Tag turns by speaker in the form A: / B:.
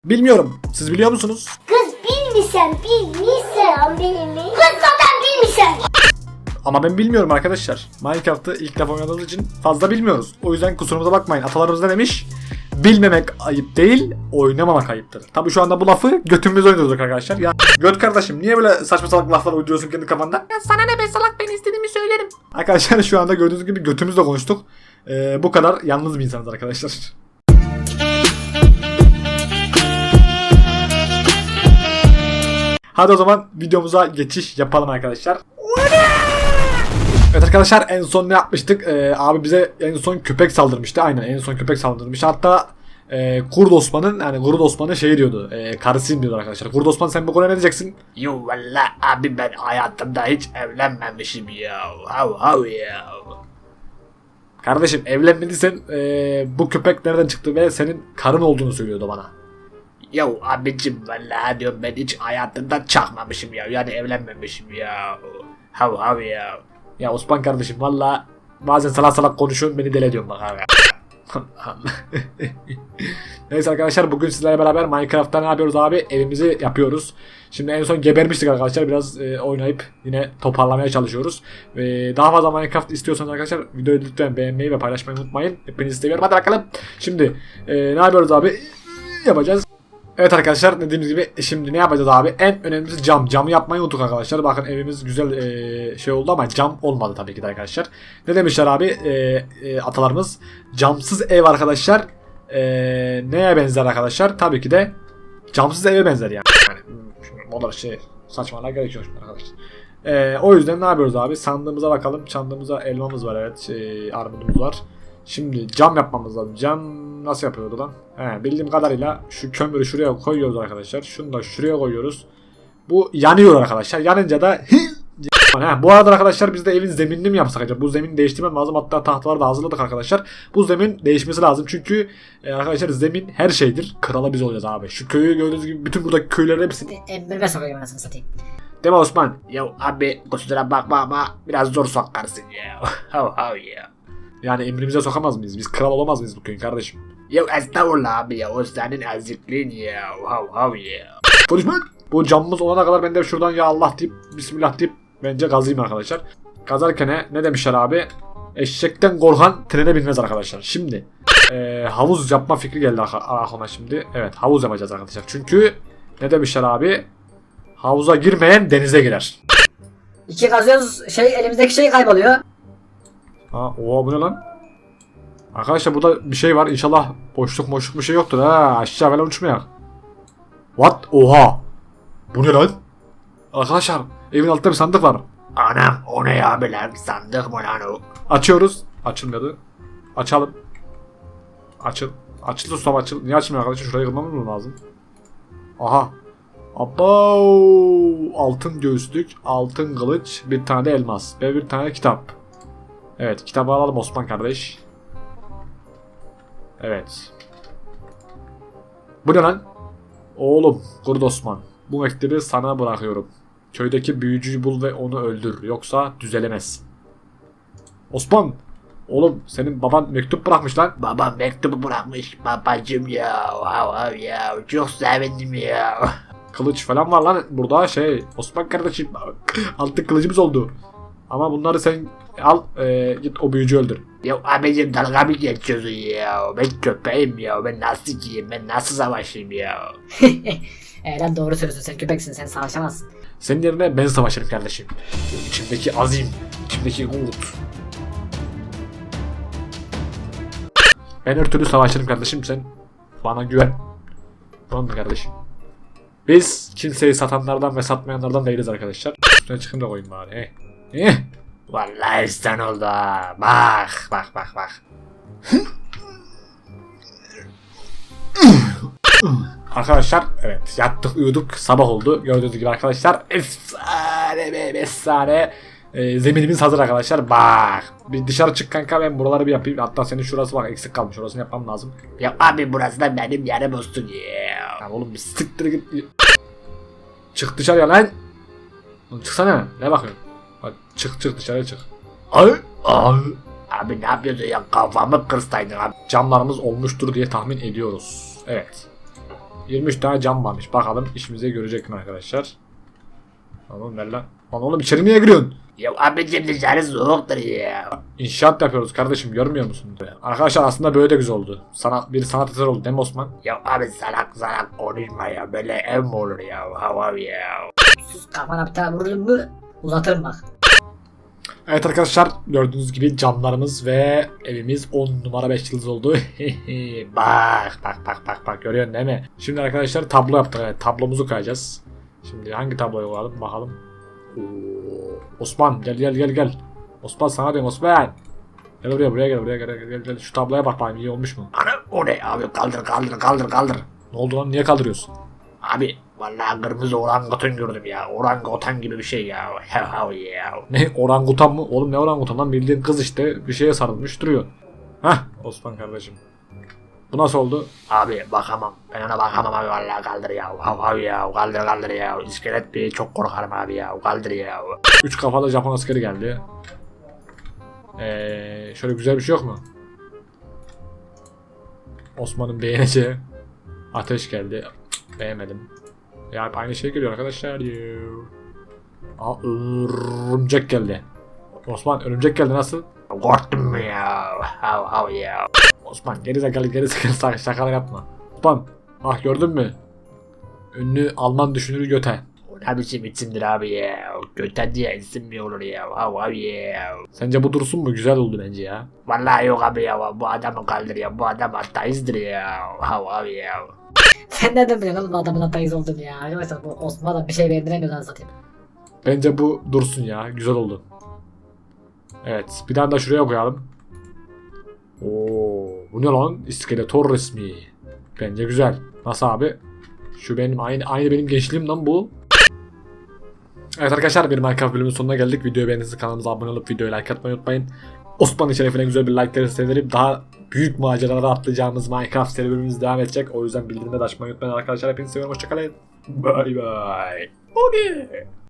A: Bilmiyorum. Siz biliyor musunuz?
B: Kız bilmişsen bilmiş. Kız zaten bilmişsen.
A: Ama ben bilmiyorum arkadaşlar. Minecraft'ı ilk defa oynadığımız için fazla bilmiyoruz. O yüzden kusurumuza bakmayın. Atalarımız ne demiş? Bilmemek ayıp değil, oynamamak ayıptır. Tabii şu anda bu lafı götümüzde oynuyoruz arkadaşlar. Ya göt kardeşim niye böyle saçma salak laflar uyduruyorsun kendi kafanda?
C: Ya sana ne be salak, ben istediğimi söylerim.
A: Arkadaşlar şu anda gördüğünüz gibi götümüzle konuştuk. Bu kadar yalnız bir insanız arkadaşlar. Hadi o zaman videomuza geçiş yapalım arkadaşlar. Evet arkadaşlar, en son ne yapmıştık? Abi bize en son köpek saldırmıştı. Aynen, en son köpek saldırmıştı. Hatta Kurd Osman'ın şey diyordu. Karısıyım diyordu arkadaşlar. Kurd Osman, sen bu konuya ne diyeceksin?
C: Yo valla abi, ben hayatımda hiç evlenmemişim ya. Hav ya.
A: Kardeşim, evlenmediysen bu köpek nereden çıktı ve senin karın olduğunu söylüyordu bana.
C: Yo abicim valla diyorum, ben hiç hayatımda çakmamışım ya. Yani evlenmemişim ya. Hav ya.
A: Ya Osman kardeşim, valla bazen salak salak konuşuyorsun, beni deli ediyorsun bak abi. Neyse arkadaşlar, bugün sizlerle beraber Minecraft'ta ne yapıyoruz abi? Evimizi yapıyoruz. Şimdi en son gebermiştik arkadaşlar. Biraz oynayıp yine toparlamaya çalışıyoruz. Daha fazla Minecraft istiyorsanız arkadaşlar videoyu lütfen beğenmeyi ve paylaşmayı unutmayın. Hepinizi seviyorum. Hadi bakalım. Şimdi ne yapıyoruz abi? Yapacağız. Evet arkadaşlar, dediğimiz gibi şimdi ne yapacağız abi? En önemlisi cam. Camı yapmayı unuttuk arkadaşlar. Bakın evimiz güzel şey oldu ama cam olmadı tabii ki de arkadaşlar. Ne demişler abi atalarımız? Camsız ev arkadaşlar neye benzer arkadaşlar? Tabii ki de camsız eve benzer yani. Onlar şey saçmalığa gerek yok arkadaşlar. O yüzden ne yapıyoruz abi? Sandığımıza bakalım. Sandığımıza elmamız var, evet. Armudumuz var. Şimdi cam yapmamız lazım. Cam nasıl yapıyordu lan? Bildiğim kadarıyla şu kömürü şuraya koyuyoruz arkadaşlar. Şunu da şuraya koyuyoruz. Bu yanıyor arkadaşlar. Yanınca da bu arada arkadaşlar, biz de evin zeminini mi yapsak acaba? Bu zemin değiştirmem lazım. Hatta tahtaları da hazırladık arkadaşlar. Bu zemin değişmesi lazım. Çünkü arkadaşlar zemin her şeydir. Krala biz olacağız abi. Şu köyü gördüğünüz gibi bütün buradaki köylerin hepsini
C: Emrime sokayım anasını satayım.
A: değil mi Osman?
C: Yo abi kusura bakma ama biraz zor sokarsın ya. Hav ya.
A: Yani emrimize sokamaz mıyız? Biz kral olamaz mıyız bu köyün kardeşim?
C: Yo estağfurullah abi ya, o senin ezikliğin ya. Hav ya.
A: Konuşma. Bu camımız olana kadar ben de şuradan ya Allah deyip Bismillah deyip bence gazayım arkadaşlar. Gazarken ne demişler abi? Eşekten korkan trene binmez arkadaşlar. Şimdi havuz yapma fikri geldi aklıma şimdi. Evet, havuz yapacağız arkadaşlar. Çünkü ne demişler abi? Havuza girmeyen denize girer.
D: İki kazıyoruz, elimizdeki şey kayboluyor.
A: Oha, bu ne lan? Arkadaşlar burada bir şey var. İnşallah boşluk bir şey yoktur ha. Aşağı falan uçmayak. What? Oha. Bu ne lan? Arkadaşlar evin altında bir sandık var.
C: Anam, o ne ya be lan, sandık mı lan o?
A: Açıyoruz. Açılmıyordu. Açalım. Açıldı ustam, açıl. Niye açılmıyor arkadaşlar? Şurayı kırmamız mı lazım? Aha. Abo. Altın göğüslük, altın kılıç, bir tane de elmas ve bir tane kitap. Evet, kitabı alalım Osman kardeş. Evet. Bu ne lan? Oğlum, Kurd Osman. Bu mektubu sana bırakıyorum. Köydeki büyücüyü bul ve onu öldür. Yoksa düzelemez. Osman! Oğlum, senin baban mektup bırakmış lan.
C: Babam mektubu bırakmış babacım ya. Hav ya, çok sevindim ya.
A: Kılıç falan var lan burada Osman kardeşim. Altın kılıcımız oldu. Ama bunları sen al, git o büyücüyü öldür.
C: Ya abicim, dalga mı geçiyorsun ya? Ben köpeğim ya, ben nasıl giyeyim, ben nasıl savaşayım ya?
D: Lan doğru söylüyorsun, sen köpeksin, sen savaşamazsın.
A: Senin yerine ben savaşırım kardeşim. İçimdeki azim, içimdeki umut. Ben her türlü savaşırım kardeşim, sen bana güven. Tamam mı kardeşim? Biz kimseyi satanlardan ve satmayanlardan değiliz arkadaşlar. Üstüne çıkın da koyayım bari.
C: Vallahi sen oldu ha. Bak.
A: Arkadaşlar evet, yattık uyuduk, sabah oldu. Gördüğünüz gibi arkadaşlar efsane zeminimiz hazır arkadaşlar. Bak, bir dışarı çık kanka, ben buraları bir yapayım. Hatta senin şurası bak eksik kalmış, orasını yapmam lazım.
C: Ya abi, burası da benim yerim olsun ya.
A: Ya oğlum bir siktir git. Çık dışarıya lan. Çıksana, ne bakıyorsun? Hadi çık dışarıya çık. Ay.
C: Abi ne yapıyorsun ya, kafamı kırsaydın abi.
A: Camlarımız olmuştur diye tahmin ediyoruz. Evet. 23 tane cam varmış. Bakalım işimize görecek mi arkadaşlar? Oğlum ver lan. Lan oğlum içeri niye giriyorsun?
C: Ya abicim dışarı soğuktur ya.
A: İnşaat yapıyoruz kardeşim, görmüyor musun? Arkadaşlar aslında böyle de güzel oldu. Bir sanat eseri oldu değil mi Osman?
C: Ya abi salak konuşma ya. Böyle ev mi olur ya? Hava ya.
D: Sus, kafana bir tane vururum mu uzatırım bak.
A: Evet arkadaşlar, gördüğünüz gibi camlarımız ve evimiz 10 numara 5 yıldız oldu. bak görüyorsun değil mi? Şimdi arkadaşlar tablo yaptık. Evet, tablomuzu koyacağız. Şimdi hangi tabloyu koyalım bakalım. Oo, Osman gel. Osman sana diyorum Osman. Gel buraya gel. Şu tabloya bak bakayım, iyi olmuş mu?
C: Ana o ne abi, kaldır.
A: Ne oldu lan, niye kaldırıyorsun?
C: Abi vallahi kırmızı orangutan gördüm ya. Orangutan gibi bir şey ya. Hav ya.
A: Ne, orangutan mı? Oğlum ne orangutan lan, bildiğin kız işte bir şeye sarılmış duruyor. Hah Osman kardeşim. Bu nasıl oldu?
C: Abi bakamam. Ben ona bakamam abi, vallahi kaldır ya. Hav ya. Kaldır ya. İskelet bir çok korkarım abi ya. Kaldır ya.
A: 3 kafalı Japon askeri geldi. Şöyle güzel bir şey yok mu? Osman'ın beğeneceği ateş geldi. Cık, beğenmedim. Ya hep aynı şey geliyor arkadaşlar. Aa, örümcek geldi. Osman örümcek geldi, nasıl?
C: Korktun mu ya? Hav ya.
A: Osman gerizekalı şakalar yapma. Osman bak gördün mü? Ünlü Alman düşünürü Göte.
C: O ne biçim isimdir abi ya. Göten diye isim mi olur ya? Hav ya.
A: Sence bu dursun mu? Güzel oldu bence ya.
C: Vallahi yok abi ya. Bu adamı kaldır ya. Bu adam ateisttir ya. Hav ya.
D: Sen nereden biliyorsun oğlum adamın ateist olduğunu ya? Arkadaşlar bu Osman'a da bir şey beğendiremiyor lan satayım.
A: Bence bu dursun ya. Güzel oldu. Evet. Bir tane de şuraya koyalım. Oo, bu ne lan? İskeletor resmi. Bence güzel. Nasıl abi? Şu benim aynı benim gençliğim lan bu. Evet arkadaşlar, bir Minecraft bölümünün sonuna geldik. Videoyu beğendiyseniz kanalımıza abone olup videoyu like atmayı unutmayın. Osman'ın şerefine güzel bir like gelirse sevinirim. Daha büyük maceralara atlayacağımız Minecraft seri bölümümüz devam edecek. O yüzden bildirimleri de açmayı unutmayın arkadaşlar. Hepinizi seviyorum. Hoşçakalın. Bye bye. Okay.